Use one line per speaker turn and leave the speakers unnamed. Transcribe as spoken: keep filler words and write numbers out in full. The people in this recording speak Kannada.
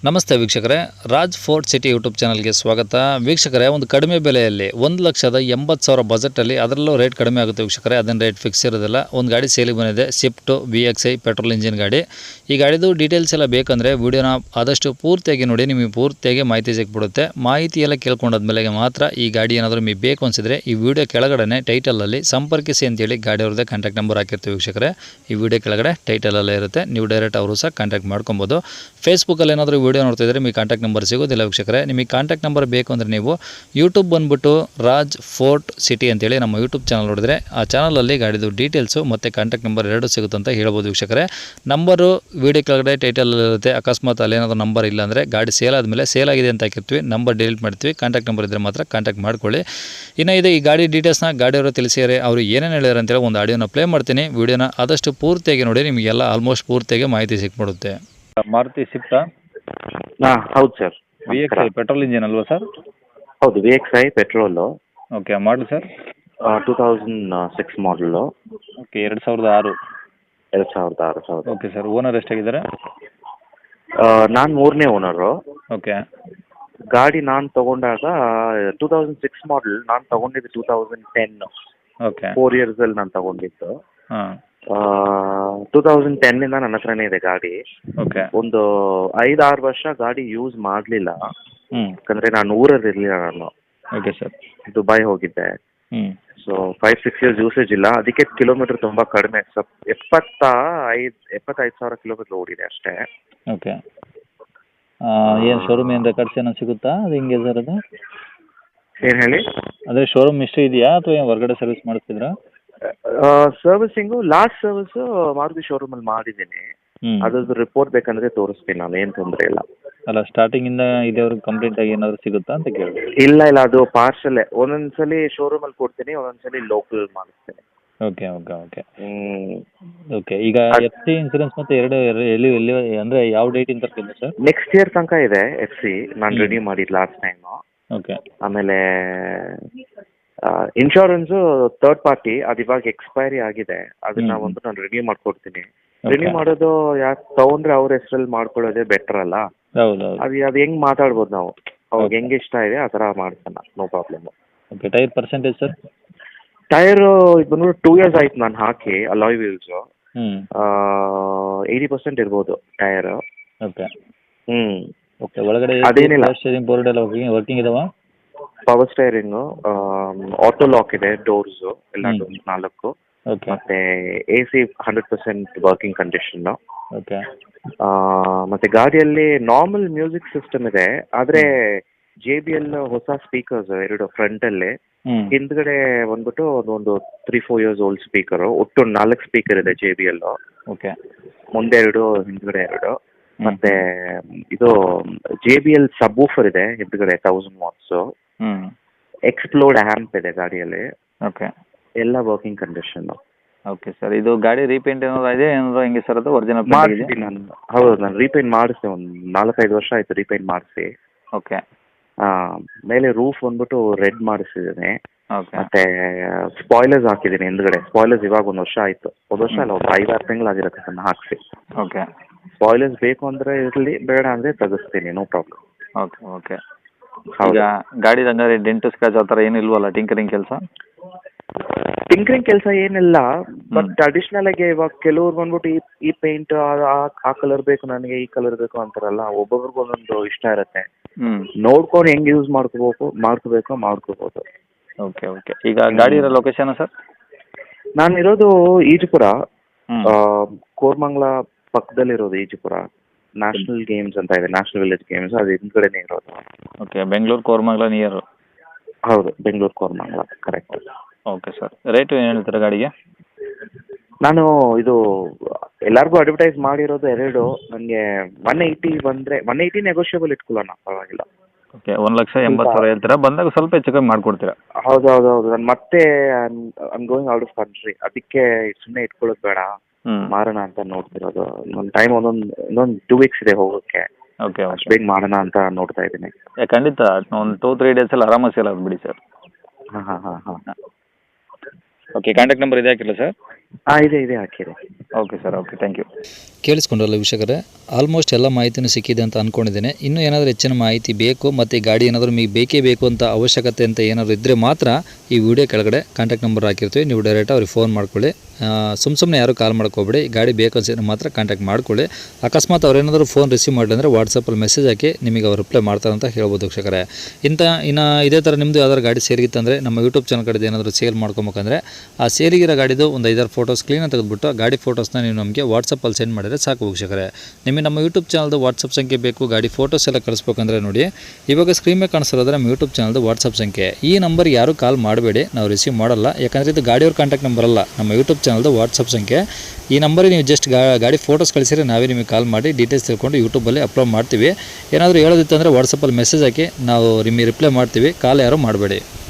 ನಮಸ್ತೆ ವೀಕ್ಷಕರೇ, ರಾಜ್ ಫೋರ್ಟ್ ಸಿಟಿ ಯೂಟ್ಯೂಬ್ ಚಾನಲ್ಗೆ ಸ್ವಾಗತ. ವೀಕ್ಷಕರೇ, ಒಂದು ಕಡಿಮೆ ಬೆಲೆಯಲ್ಲಿ ಒಂದು ಲಕ್ಷದ ಎಂಬತ್ತು ಸಾವಿರ ಬಜೆಟಲ್ಲಿ ಅದರಲ್ಲೂ ರೇಟ್ ಕಡಿಮೆ ಆಗುತ್ತೆ ವೀಕ್ಷಕರೇ. ಅದನ್ನು ರೇಟ್ ಫಿಕ್ಸ್ ಇರೋದಿಲ್ಲ. ಒಂದು ಗಾಡಿ ಸೇಲಿಗೆ ಬಂದಿದೆ, Swift V X I petrol engine ಗಾಡಿ. ಈ ಗಾಡಿದು ಡೀಟೇಲ್ಸ್ ಎಲ್ಲ ಬೇಕಂದರೆ ವೀಡಿಯೋನ ಆದಷ್ಟು ಪೂರ್ತಿಯಾಗಿ ನೋಡಿ, ನಿಮಗೆ ಪೂರ್ತಿಯಾಗಿ ಮಾಹಿತಿ ಸಿಕ್ಬಿಡುತ್ತೆ. ಮಾಹಿತಿ ಎಲ್ಲ ಕೇಳ್ಕೊಂಡಾದ್ಮೇಲೆ ಮಾತ್ರ ಈ ಗಾಡಿ ಏನಾದರೂ ನಿಮಗೆ ಬೇಕು ಅನಿಸಿದ್ರೆ ಈ ವಿಡಿಯೋ ಕೆಳಗಡೆ ಟೈಟಲಲ್ಲಿ ಸಂಪರ್ಕಿಸಿ ಅಂತೇಳಿ ಗಾಡಿ ಅವ್ರದ್ದೇ ಕಾಂಟ್ಯಾಕ್ಟ್ ನಂಬರ್ ಹಾಕಿರ್ತೀವಿ ವೀಕ್ಷಕರೇ. ಈ ವಿಡಿಯೋ ಕೆಳಗಡೆ ಟೈಟಲಲ್ಲೇ ಇರುತ್ತೆ, ನೀವು ಡೈರೆಕ್ಟ್ ಅವರು ಸಹ ಕಾಂಟ್ಯಾಕ್ಟ್ ಮಾಡ್ಕೊಬೋದು. ಫೇಸ್ಬುಕ್ಕಲ್ಲಿ ಏನಾದರೂ ವಿಡಿಯೋ ನೋಡ್ತಾ ಇದ್ದರೆ ನಿಮಗೆ ಕಾಂಟ್ಯಾಕ್ಟ್ ನಂಬರ್ ಸಿಗೋದಿಲ್ಲ ವೀಕ್ಷಕರೇ. ನಿಮಗೆ ಕಾಂಟ್ಯಾಕ್ಟ್ ನಂಬರ್ ಬೇಕು ಅಂದರೆ ನೀವು ಯೂಟ್ಯೂಬ್ ಬಂದುಬಿಟ್ಟು ರಾಜ್ ಫೋರ್ಟ್ ಸಿಟಿ ಅಂತೇಳಿ ನಮ್ಮ ಯೂಟ್ಯೂಬ್ ಚಾನಲ್ ನೋಡಿದ್ರೆ ಆ ಚಾನಲಲ್ಲಿ ಗಾಡಿದು ಡೀಟೇಲ್ಸು ಮತ್ತು ಕಾಂಟ್ಯಾಕ್ಟ್ ನಂಬರ್ ಎರಡು ಸಿಗುತ್ತೆ ಅಂತ ಹೇಳ್ಬೋದು ವೀಕ್ಷಕರೇ. ನಂಬರು ವಿಡಿಯೋ ಕೆಳಗಡೆ ಟೈಟಲಲ್ಲಿ ಇರುತ್ತೆ. ಅಕಸ್ಮಾತ್ ಅಲ್ಲೇನಾದರೂ ನಂಬರ್ ಇಲ್ಲ ಅಂದರೆ ಗಾಡಿ ಸೇಲ್ ಆದಮೇಲೆ ಸೇಲ್ ಆಗಿದೆ ಅಂತ ಹಾಕಿರ್ತೀವಿ, ನಂಬರ್ ಡಿಲೀಟ್ ಮಾಡ್ತೀವಿ. ಕಾಂಟ್ಯಾಕ್ಟ್ ನಂಬರ್ ಇದ್ದರೆ ಮಾತ್ರ ಕಾಂಟ್ಯಾಕ್ಟ್ ಮಾಡ್ಕೊಳ್ಳಿ. ಇನ್ನು ಇದೆ ಈ ಗಾಡಿ ಡೀಟೇಲ್ಸ್ನ ಗಾಡಿಯವರು ತಿಳಿಸಿದರೆ ಅವರು ಏನೇನು ಹೇಳಿದಾರೆ ಅಂತೇಳಿ ಒಂದು ಆಡಿಯೋನ ಪ್ಲೇ ಮಾಡ್ತೀನಿ. ವಿಡಿಯೋನ ಆದಷ್ಟು ಪೂರ್ತಿಯಾಗಿ ನೋಡಿ, ನಿಮಗೆಲ್ಲ ಆಲ್ಮೋಸ್ಟ್ ಪೂರ್ತಿಯಾಗಿ ಮಾಹಿತಿ ಸಿಕ್ಬಿಡುತ್ತೆ. ಮಾರುತಿ ಸ್ವಿಫ್ಟ್
ಹಾಂ ಹೌದು sir.
V X I petrol engine ಅಲ್ವಾ ಸರ್?
ಹೌದು, V X I petrol.
Okay, model sir?
Two thousand six model.
Okay, ಎರಡು ಸಾವಿರದ ಆರು.
ಎರಡು ಸಾವಿರದ ಆರು ಸಾವಿರ.
ಓಕೆ ಸರ್, ಓನರ್ ಎಷ್ಟಾಗಿದ್ದಾರೆ?
ನಾನು ಮೂರನೇ ಓನರು.
ಓಕೆ.
ಗಾಡಿ ನಾನು ತೊಗೊಂಡಾಗ ಟೂ ತೌಸಂಡ್ ಸಿಕ್ಸ್ ಮಾಡಲ್, ನಾನು ತೊಗೊಂಡಿದ್ದು two thousand ten.
Okay.
Four ಇಯರ್ಸಲ್ಲಿ ನಾನು ತೊಗೊಂಡಿದ್ದು.
ಹಾಂ.
ಟೂ ತೌಸಂಡ್ ಟೆನ್ನಿಂದ ನನ್ನ ಹತ್ರನೇ ಇದೆ ಗಾಡಿ.
ಓಕೆ.
ಒಂದು ಐದಾರು ವರ್ಷ ಗಾಡಿ ಯೂಸ್ ಮಾಡಲಿಲ್ಲ,
ಹ್ಞೂ.
ಯಾಕಂದರೆ ನಾನು ಊರಲ್ಲಿ ಇರಲಿಲ್ಲ. ನಾನು
ಓಕೆ ಸರ್.
ದುಬೈ ಹೋಗಿದ್ದೆ.
ಹ್ಞೂ.
So five six years usage ಇಲ್ಲ, ಅದಕ್ಕೆ ಕಿಲೋಮೀಟರ್ ತುಂಬ ಕಡಿಮೆ. ಸ್ವಲ್ಪ ಎಪ್ಪತ್ತ ಐದು ಎಪ್ಪತ್ತೈದು ಸಾವಿರ ಕಿಲೋಮೀಟರ್ ಓಡಿದೆ ಅಷ್ಟೇ.
ಓಕೆ. ಏನು ಶೋರೂಮ್ ಏನು ರೆಕಾರ್ಡ್ಸ್ ಏನೋ ಸಿಗುತ್ತಾ? ಅದು ಹಿಂಗೆ ಸರ್ ಅದು?
ಏನು ಹೇಳಿ?
ಅದೇ ಶೋರೂಮ್ ಹಿಸ್ಟ್ರಿ ಇದೆಯಾ ಅಥವಾ ಏನು ಹೊರಗಡೆ ಸರ್ವಿಸ್ ಮಾಡಿಸ್ತಿದ್ರಾ?
ಸರ್ವಿಸಿಂಗು ಲಾಸ್ಟ್ ಸರ್ವಿಸು ಮಾರುತಿ ಶೋರೂಮಲ್ಲಿ ಮಾಡಿದ್ದೀನಿ.
ಹ್ಞೂ.
ಅದ್ರದ್ದು ರಿಪೋರ್ಟ್ ಬೇಕಂದರೆ ತೋರಿಸ್ತೀನಿ ನಾನು, ಏನು ತೊಂದರೆ ಇಲ್ಲ.
ಅಲ್ಲ, ಸ್ಟಾರ್ಟಿಂಗಿಂದ ಇದೇವ್ರಿಗೆ ಕಂಪ್ಲೀಟ್ ಆಗಿ ಏನಾದರೂ ಸಿಗುತ್ತಾ ಅಂತ ಕೇಳಿ.
ಇಲ್ಲ ಇಲ್ಲ, ಅದು ಪಾರ್ಸಲ್ಲೇ. ಒಂದೊಂದು ಸಲ ಶೋರೂಮಲ್ಲಿ ಕೊಡ್ತೀನಿ, ಒಂದೊಂದು ಸಲ ಲೋಕಲ್ ಮಾಡಿಸ್ತೀನಿ.
ಓಕೆ ಓಕೆ ಓಕೆ
ಹ್ಞೂ.
ಓಕೆ. ಈಗ ಎಫ್ ಸಿ ಇನ್ಸೂರೆನ್ಸ್ ಮತ್ತು ಎರಡು ಎಲ್ಲಿ ಎಲ್ಲಿ ಎಲ್ಲಿ ಅಂದರೆ ಯಾವ ಡೇಟಿಂದ ತರ್ತಿದ್ದೆ ಸರ್?
ನೆಕ್ಸ್ಟ್ ಇಯರ್ ತನಕ ಇದೆ ಎಫ್ ಸಿ. ನಾನು ರೆಡಿ ಮಾಡಿದ್ದು ಲಾಸ್ಟ್ ಟೈಮು.
ಓಕೆ.
ಆಮೇಲೆ ಇನ್ಶೂರೆನ್ಸು ಥರ್ಡ್ ಪಾರ್ಟಿ, ಅದು ಇವಾಗ ಎಕ್ಸ್ಪೈರಿ ಆಗಿದೆ. ಅದನ್ನ ಒಂದು ನಾನು ರೆಡಿ ಮಾಡ್ಕೊಡ್ತೀನಿ. ರೆಡಿ ಮಾಡೋದು ಯಾಕೆ ತೊಗೊಂಡ್ರೆ ಅವ್ರ ಹೆಸರಲ್ಲಿ ಮಾಡ್ಕೊಳ್ಳೋದೇ ಬೆಟರ್ ಅಲ್ಲ?
ಹೌದು ಹೌದು.
ಅದು ಅದು ಹೆಂಗೆ ಮಾತಾಡ್ಬೋದು ನಾವು, ಅವ್ರಿಗೆ ಹೆಂಗೆ ಇಷ್ಟ ಇದೆ ಆ ಥರ ಮಾಡ್ಸೋಣ, no problem.
Okay. Tyre percentage sir?
Tyre ಇದು ಬಂದ್ಬಿಟ್ಟು ಟೂ ಇಯರ್ಸ್ ಆಯ್ತು ನಾನು ಹಾಕಿ, ಅಲಾಯ್ ವೀಲ್ಸು.
ಹ್ಞೂ.
ಏಯ್ಟಿ ಪರ್ಸೆಂಟ್ ಇರ್ಬೋದು ಟೈರು.
ಓಕೆ.
ಹ್ಞೂ.
ಓಕೆ. ಒಳಗಡೆ
ಅದೇನಿಲ್ಲ.
ಸ್ಟೇರಿಂಗ್ ಬೋರ್ಡ್ ಎಲ್ಲ ವರ್ಕಿಂಗ್ ವರ್ಕಿಂಗ್ ಇದಾವ?
ಪವರ್ ಸ್ಟೈರಿಂಗು, ಆಟೋ ಲಾಕ್ ಇದೆ, ಡೋರ್ಸು ಎಲ್ಲ ಡೋರ್ಸ್ ನಾಲ್ಕು.
ಓಕೆ.
ಮತ್ತೆ A C hundred percent working condition.
Okay.
ಮತ್ತೆ ಗಾಡಿಯಲ್ಲಿ ನಾರ್ಮಲ್ ಮ್ಯೂಸಿಕ್ ಸಿಸ್ಟಮ್ ಇದೆ, ಆದರೆ ಜೆ ಬಿ ಎಲ್ ಹೊಸ ಸ್ಪೀಕರ್ಸ್ ಎರಡು ಫ್ರಂಟಲ್ಲಿ.
ಹ್ಞೂ.
ಹಿಂದ್ಗಡೆ ಬಂದ್ಬಿಟ್ಟು ಒಂದು three four years old speaker. ಒಟ್ಟು ನಾಲ್ಕು ಸ್ಪೀಕರ್ ಇದೆ ಜೆ ಬಿ ಎಲ್.
ಓಕೆ.
ಮುಂದೆ ಎರಡು, ಹಿಂದ್ಗಡೆ ಎರಡು. ಮತ್ತೆ ಇದು J B L subwoofer ಇದೆ ಹಿಂದ್ಗಡೆ, ತೌಸಂಡ್ ವಾಟ್ಸು.
ಹ್ಞೂ.
ಎಕ್ಸ್ಪ್ಲೋರ್ಡ್ ಆ್ಯಂಪ್ ಇದೆ ಗಾಡಿಯಲ್ಲಿ.
ಓಕೆ.
ಎಲ್ಲ ವರ್ಕಿಂಗ್ ಕಂಡೀಷನ್ನು.
Okay sir. ಇದು ಗಾಡಿ ರೀಪೇಂಟ್ ಏನಾದ್ರು ಇದೆ ಏನಾದ್ರು ಹೆಂಗೆ ಸರ್? ಅದು ಒರಿಜಿನಲ್
ಮಾಡಿಸಿ ನಾನು. ಹೌದು, ನಾನು ರೀಪೇಂಟ್ ಮಾಡಿಸಿದೆ. ಒಂದು ನಾಲ್ಕೈದು ವರ್ಷ ಆಯಿತು ರೀಪೇಂಟ್ ಮಾಡಿಸಿ.
ಓಕೆ.
ಹಾಂ. ಮೇಲೆ ರೂಫ್ ಬಂದ್ಬಿಟ್ಟು ರೆಡ್ ಮಾಡಿಸಿದ್ದೀನಿ.
ಓಕೆ.
ಮತ್ತೆ ಸ್ಪಾಯ್ಲರ್ಸ್ ಹಾಕಿದ್ದೀನಿ ಹಿಂದ್ಗಡೆ. ಸ್ಪಾಯ್ಲರ್ಸ್ ಇವಾಗ ಒಂದು ವರ್ಷ ಆಯಿತು, ಒಂದು ವರ್ಷ ಅಲ್ಲ, ಒಂದು ಐದಾರು ತಿಂಗಳಾಗಿರುತ್ತೆ ಅದನ್ನು ಹಾಕಿಸಿ.
ಓಕೆ.
ಸ್ಪಾಯ್ಲರ್ಸ್ ಬೇಕು ಅಂದರೆ ಇರಲಿ, ಬೇಡ ಅಂದರೆ ತೆಗೆಸ್ತೀನಿ, ನೋ ಪ್ರಾಬ್ಲಮ್.
Okay okay. ಈಗ ಗಾಡಿ ಹಂಗಾರೆ ಡೆಂಟು ಸ್ಕ್ರಾಚ್ ಆ ಥರ ಏನು ಇಲ್ವಲ್ಲ? ಟಿಂಕರಿಂಗ್ ಕೆಲಸ?
ಟಿಂಕರಿಂಗ್ ಕೆಲಸ ಏನಿಲ್ಲ, ಬಟ್ ಅಡಿಷ್ನಲ್ ಆಗಿ ಇವಾಗ ಕೆಲವ್ರು ಬಂದ್ಬಿಟ್ಟು ಈ ಈ ಪೇಂಟ್ ಆ ಕಲರ್ ಬೇಕು ನನಗೆ, ಈ ಕಲರ್ ಬೇಕು ಅಂತಾರಲ್ಲ. ಒಬ್ಬೊಬ್ರಿಗೆ ಒಂದೊಂದು ಇಷ್ಟ ಇರುತ್ತೆ.
ಹ್ಞೂ.
ನೋಡ್ಕೊಂಡು ಹೆಂಗೆ ಯೂಸ್ ಮಾಡ್ಕೋಬೇಕು ಮಾಡ್ಕೋಬೇಕು ಮಾಡ್ಕೋಬೋದು.
Okay okay. ಈಗ ಗಾಡಿ ಇರೋ ಲೊಕೇಶನ್ ಸರ್?
ನಾನು ಇರೋದು ಈಜುಪುರ,
ಹ್ಞೂ.
ಕೋರ್ಮಂಗ್ಲ ಪಕ್ಕದಲ್ಲಿರೋದು ಈಜುಪುರ. ನ್ಯಾಷನಲ್ ಗೇಮ್ಸ್ ಅಂತ ಇದೆ, ನ್ಯಾಷನಲ್ ವಿಲೇಜ್ ಗೇಮ್ಸ್, ಅದು ಹಿಂದ್ಗಡೆನೇ ಇರೋದು.
ಓಕೆ. ಬೆಂಗಳೂರು ಕೋರ್ಮಂಗ್ಲ ನಿಯರು?
ಹೌದು, Bengaluru Koramangala, correct.
Okay sir. Rate ಏನು ಹೇಳ್ತೀರಾ ಗಾಡಿಗೆ?
ನಾನು ಇದು ಎಲ್ಲರಿಗೂ ಅಡ್ವರ್ಟೈಸ್ ಮಾಡಿರೋದು ಎರಡು. ನನಗೆ ಒನ್ ಏಯ್ಟಿ ಬಂದರೆ ಒನ್ ಏಯ್ಟಿ ನೆಗೋಷಿಯಬಲ್ ಇಟ್ಕೊಳ್ಳೋಣ, ಪರವಾಗಿಲ್ಲ.
ಓಕೆ. ಒಂದು ಲಕ್ಷ ಎಂಬತ್ತು ಸಾವಿರ ಹೇಳ್ತೀರಾ? ಬಂದಾಗ ಸ್ವಲ್ಪ ಹೆಚ್ಚು ಕಮ್ಮಿ ಮಾಡಿಕೊಡ್ತೀರಾ?
ಹೌದು ಹೌದು ಹೌದು. ನಾನು ಮತ್ತೆ I'm going out of country, ಅದಕ್ಕೆ ಸುಮ್ಮನೆ ಇಟ್ಕೊಳ್ಳೋದು ಬೇಡ, ಮಾರೋಣ ಅಂತ ನೋಡ್ತಿರೋದು. ನನ್ನ ಟೈಮ್ ಒಂದೊಂದು ಇನ್ನೊಂದು ಟೂ ವೀಕ್ಸ್ ಇದೆ ಹೋಗೋಕ್ಕೆ.
ಓಕೆ.
ಅಷ್ಟು ಬೇಗ ಮಾಡೋಣ ಅಂತ ನೋಡ್ತಾ ಇದ್ದೀನಿ.
ಖಂಡಿತ ಒಂದು ಟೂ ತ್ರೀ ಡೇಸಲ್ಲಿ ಆರಾಮಾಗಿ ಸೇಲ್ ಆಗ್ಬಿಡಿ ಸರ್.
ಹಾಂ ಹಾಂ ಹಾಂ ಹಾಂ.
ಓಕೆ. ಕಾಂಟ್ಯಾಕ್ಟ್ ನಂಬರ್ ಇದೆ ಹಾಕಿಲ್ಲ ಸರ್?
ಹಾಂ ಇದೆ ಇದೆ ಹಾಕಿರಿ.
Okay sir, okay, thank you.
ಕೇಳಿಸ್ಕೊಂಡ್ರಲ್ಲ ವೀಕ್ಷಕರೇ, ಆಲ್ಮೋಸ್ಟ್ ಎಲ್ಲ ಮಾಹಿತಿನೂ ಸಿಕ್ಕಿದೆ ಅಂತ ಅಂದ್ಕೊಂಡಿದ್ದೇನೆ. ಇನ್ನೂ ಏನಾದರೂ ಹೆಚ್ಚಿನ ಮಾಹಿತಿ ಬೇಕು ಮತ್ತು ಈ ಗಾಡಿ ಏನಾದರೂ ನಿಮಗೆ ಬೇಕೇ ಬೇಕು ಅಂತ ಅವಶ್ಯಕತೆ ಅಂತ ಏನಾದರೂ ಇದ್ದರೆ ಮಾತ್ರ ಈ ವಿಡಿಯೋ ಕೆಳಗಡೆ ಕಾಂಟ್ಯಾಕ್ಟ್ ನಂಬರ್ ಹಾಕಿರ್ತೀವಿ, ನೀವು ಡೈರೆಕ್ಟ್ ಅವ್ರಿಗೆ ಫೋನ್ ಮಾಡ್ಕೊಳ್ಳಿ. ಸುಮ್ಮ ಸುಮ್ಮನೆ ಯಾರು ಕಾಲ್ ಮಾಡ್ಕೋಬೇಡಿ, ಗಾಡಿ ಬೇಕು ಅನ್ಸಿದ್ರೆ ಮಾತ್ರ ಕಾಂಟ್ಯಾಕ್ಟ್ ಮಾಡ್ಕೊಳ್ಳಿ. ಅಕಸ್ಮಾತ್ ಅವ್ರೇನಾದರೂ ಫೋನ್ ರಿಸೀವ್ ಮಾಡಿದ್ರೆ ಅಂದರೆ ವಾಟ್ಸಪ್ಪಲ್ಲಿ ಮೆಸೇಜ್ ಹಾಕಿ ನಿಮಗೆ ಅವ್ರು ರಿಪ್ಲೈ ಮಾಡ್ತಾರೆ ಅಂತ ಹೇಳ್ಬೋದು ವೀಕ್ಷಕರೇ. ಇಂಥ ಇನ್ನು ಇದೇ ಥರ ನಿಮ್ಮದು ಯಾವ್ದಾದ್ರು ಗಾಡಿ ಸೇರಿಗಿತ್ತಂದರೆ ನಮ್ಮ ಯೂಟ್ಯೂಬ್ ಚಾನಲ್ ಕಡೆ ಏನಾದರೂ ಸೇಲ್ ಮಾಡ್ಕೊಬೇಕಂದ್ರೆ ಆ ಸೇಲಿಗಿರೋ ಗಾಡಿದು ಒಂದು ಐದಾರು ಫೋಟೋಸ್ ಕ್ಲೀನಾಗಿ ತೆಗೆದುಬಿಟ್ಟು ಗಾಡಿ ಫೋಟೋಸ್ನ ನೀವು ನಮಗೆ ವಾಟ್ಸಪ್ಪಲ್ಲಿ ಸೆಂಡ್ ಮಾಡಿದರೆ ಸಾಕು ವೀಕ್ಷಕರೇ. ನಿಮಗೆ ನಮ್ಮ ಯೂಟ್ಯೂಬ್ ಚಾನಲ್ದು ವಾಟ್ಸಪ್ ಸಂಖ್ಯೆ ಬೇಕು, ಗಾಡಿ ಫೋಟೋಸ್ ಎಲ್ಲ ಕಳಿಸ್ಬೇಕಂದ್ರೆ ನೋಡಿ ಇವಾಗ ಸ್ಕ್ರೀನ್ ಮೇಲೆ ಕಾಣಿಸ್ತಿರೋದ್ರೆ ನಮ್ಮ ಯೂಟ್ಯೂಬ್ ಚಾನಲ್ದು ವಾಟ್ಸಪ್ ಸಂಖ್ಯೆ. ಈ ನಂಬರ್ ಯಾರು ಕಾಲ್ ಮಾಡಬೇಡಿ, ನಾವು ರಿಸೀವ್ ಮಾಡಲ್ಲ. ಯಾಕಂದರೆ ಇದು ಗಾಡಿಯವ್ರ ಕಾಂಟ್ಯಾಕ್ಟ್ ನಂಬರ್ ಅಲ್ಲ, ನಮ್ಮ ಯೂಟ್ಯೂಬ್ ಚಾನಲ್ದು ವಾಟ್ಸಪ್ ಸಂಖ್ಯೆ. ಈ ನಂಬರಿಗೆ ನೀವು ಜಸ್ಟ್ ಗಾಡಿ ಫೋಟೋಸ್ ಕಳಿಸಿದ್ರೆ ನಾವೇ ನಿಮಗೆ ಕಾಲ್ ಮಾಡಿ ಡೀಟೇಲ್ಸ್ ತಿಳ್ಕೊಂಡು ಯೂಟ್ಯೂಬಲ್ಲಿ ಅಪ್ಲೋಡ್ ಮಾಡ್ತೀವಿ. ಏನಾದರೂ ಹೇಳೋದಿತ್ತಂದರೆ ವಾಟ್ಸಪ್ಪಲ್ಲಿ ಮೆಸೇಜ್ ಹಾಕಿ ನಾವು ನಿಮಗೆ ರಿಪ್ಲೈ ಮಾಡ್ತೀವಿ, ಕಾಲ್ ಯಾರು ಮಾಡಬೇಡಿ.